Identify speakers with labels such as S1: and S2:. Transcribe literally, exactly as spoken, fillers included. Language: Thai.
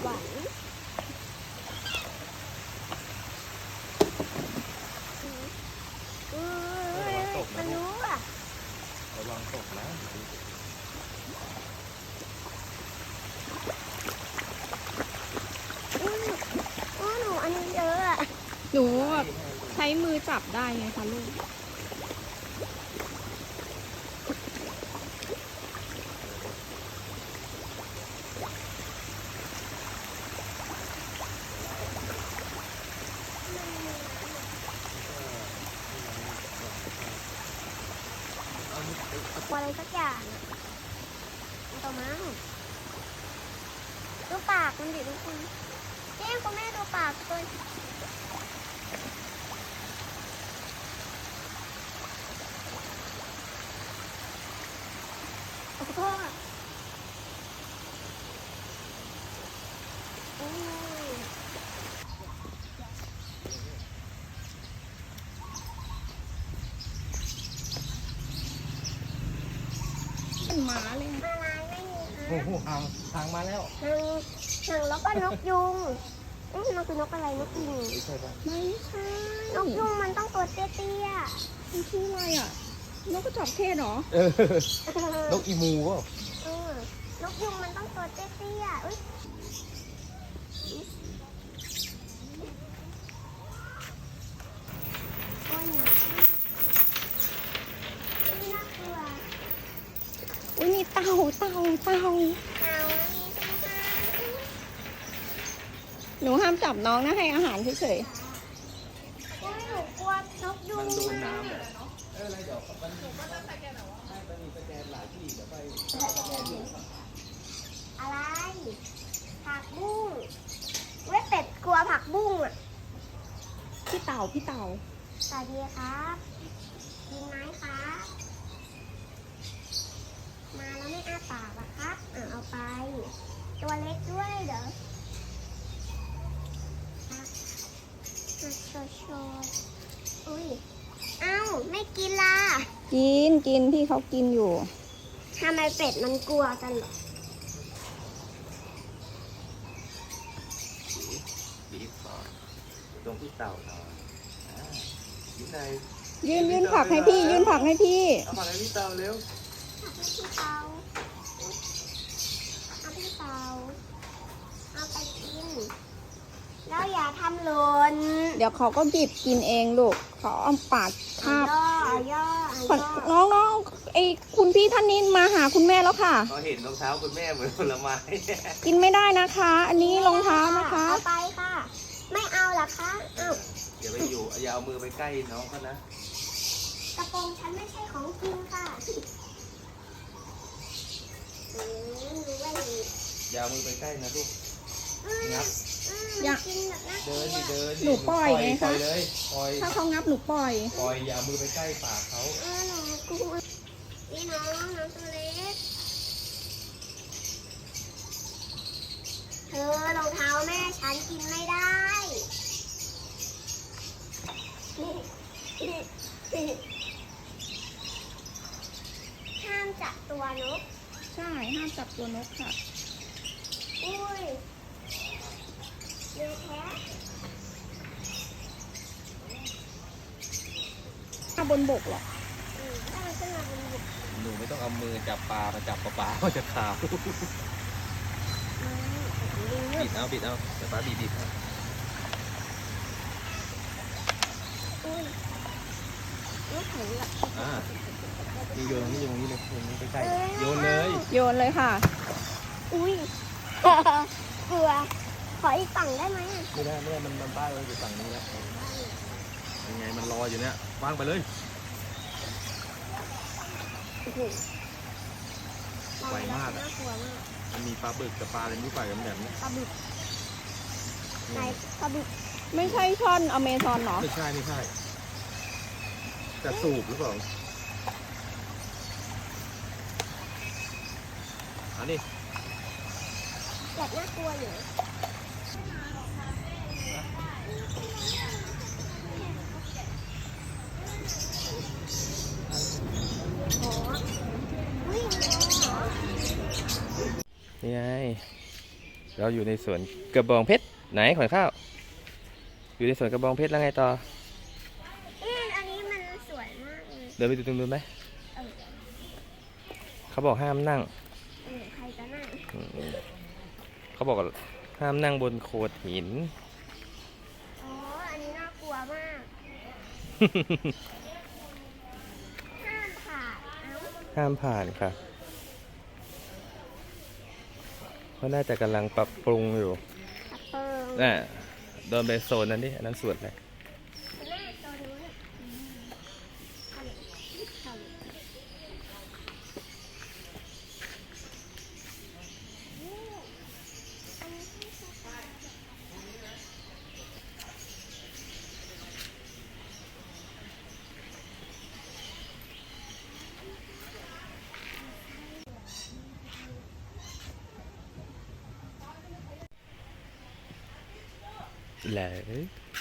S1: หวานอือมันรู้อ่ะ
S2: ระวังตกนะ
S1: อืออ๋อหนูอันนี้เยอะอ่ะ
S3: หนูแบบใช้มือจับได้ไงคะลูก
S1: อะไรสักอย่างอ่ะมันต่อมาดูปากมันดิทุกคนเจ๊คุณแม่ดูปากตัวโอ้โหอืม
S3: เป็นหมาเลยอะ
S1: อะไรไม่มี
S2: โอ้โหหางหางมาแล้ว
S1: หางหางแล้วก็นกยุงอืมมันคือนกอะไรนกยุง
S2: ไม่ใช่ปะ
S3: ไม่ใช่
S1: นกยุงมันต้องตัวเตี้ย
S3: มันชื่ออะไรอ่ะนกกระจอกเทศเหรอ
S2: เออ
S1: ๆ
S2: นกอีมูเปล่า
S1: เออนกยุงมันต้องตัวเตี้ยๆอุ้ยโอ้ยหนาอุ้ยน่ากลัว
S3: อุ้ยมีเต่าเต่าเต่า
S1: เอาอันนี้เป็นห้า
S3: หนูห้ามจับน้องนะให้อาหารเฉย
S1: อุ้ยหนูกลัวนกยุง
S2: มันโดน
S1: มาก
S2: น้ำเลยเอออะไรเดี๋ยวมันให้ไปมีสแกนหลายที่เดี๋ยวไปสแกนดู
S1: อะไรผักบุ้งเว้ยเป็ดกลัวผักบุ้งอ่ะ
S3: ๆพี่เต่าพี่เต่า
S1: สวัสดีครับกินไหมครับ มาแล้วไม่อ้าปากอะครับอ่ะเอาไป ตัวเล็กด้วยเดี๋ยวอ่ะโชว์โชว์โชว์อุ้ย เอ้า ไม่กินล่ะ
S3: กินกินพี่เขากินอยู่
S1: ทำไมเป็ดมันกลัวกันเหรอ
S2: บีบก่อนตรงที่เต่าหน่อยอ่ายิ้มใน
S3: ยื่นยื่นผักให้พี่ ยื่นผักให้พี่
S2: เอาผักให้พี่เต่าเร็ว
S1: เอาพี่เตาเอาพี่เตาเอาไปกิน แล้วอย่าทำหล่น
S3: เดี๋ยวเขาก็หยิบกินเองลูกเขาเอาปากคาบ
S1: ย่อเอาย่อเอาย่อ
S3: น้องน้องไอคุณพี่ท่านนี้มาหาคุณแม่แล้วค่ะ
S2: เขาเห็นรองเท้าคุณแม่เหมือนผลไม้
S3: กินไม่ได้นะคะ อันนี้รองเท้านะคะ
S1: เอาไปค่ะ ไม่เอาเหรอคะเอ้า
S2: อย่าไปอยู่อย่าเอามือไปใกล้น้องเขานะ
S1: กระโปรงฉันไม่ใช่ของจริงค่ะอืมรู้ว่าอย่างนี้
S2: อย่าเอามือไปใกล้นะลูก
S1: อืม
S2: งับ
S1: อืม
S3: อย่า
S1: กินแบบน่ากลั
S2: เดิ
S1: วน
S2: ดิเดินดิ
S3: หนูปล่อยไง
S2: ปล่
S3: คะ
S2: อยเลยปล่อย
S3: ถ้าเขางับหนูปล่อย
S2: ปล่อยอย่าเอามือไปใกล้ปากเขา
S1: เออหนูกลัวนี่น้องน้องตัวเล็กเธอรองเท้าแม่ฉันกินไม่ได้ห้ามจับตัวนก
S3: ใช่ห้ามจับตัวนกค่ะ
S1: อุ้ยเลือแท้
S3: ถ้าบนบกหรอก
S1: อืมถ้ามันขึ้นมาบนบก
S2: หนูไม่ต้องเอามือจับปลามาจับปลาปลาเขาจะขาว
S1: ลิง
S2: บิดเอาบิดเอาเดี๋ยวป้าบีบบิดให้
S1: อุ้ยลูกแข็งละ
S2: อ่านี่โยนนี่โยนนี่เลยโยนนี่ใกล้ๆโยนเลย
S3: โยนเลยค่ะ
S1: อุ้ย กลัว ขออีกฝั่งได้ไหมอ่ะ
S2: ไม่ได้ไม่ได้มันมันป้ายไว้อยู่ฝั่งนี้แล้วยังไงมันรออยู่เนี่ยวางไปเลย
S1: โอ้โห
S2: ไวมากอะ
S1: น่ากลัวมาก
S2: มันมีปลาบึกกับปลาอะไรไม่รู้ปลากันแบบนี้
S1: ปลาบึกไหนปลาบึก
S3: ไม่ใช่ช่อนอเมซอนเหรอ
S2: ไม่ใช่ไม่ใช่จะสูบหรือเปล่าอันนี้
S1: แบบน่ากลัวอยู่นะโอ้อุ้ยมีอะไรเหรอ
S2: นี่ไงเราอยู่ในสวนกระบองเพชรไหนขวัญข้าว อยู่ในสวนกระบองเพชรแล้วไงต่อ
S1: อืมอันนี้มันสวยมากเลย
S2: เดินไปดูตรงนู้นไหม
S1: เออ
S2: เขาบอกห้ามนั่ง
S1: เออใครจะนั่ง
S2: อืมเขาบอกห้ามนั่งบนโขดหิน
S1: อ๋ออันนี้น่ากลัวมากห้ามผ่านเอ้า
S2: ห้ามผ่านค่ะเพราะน่าจะกำลังปรับปรุงอยู่
S1: กระเปิง
S2: น่ะโดนไปโซนนั้นดิอันนั้นสวนอะไร
S1: แม่ตัวนู้นอ่ะอืมทำทำนี่อันนี้ที่สุด
S2: แล้ว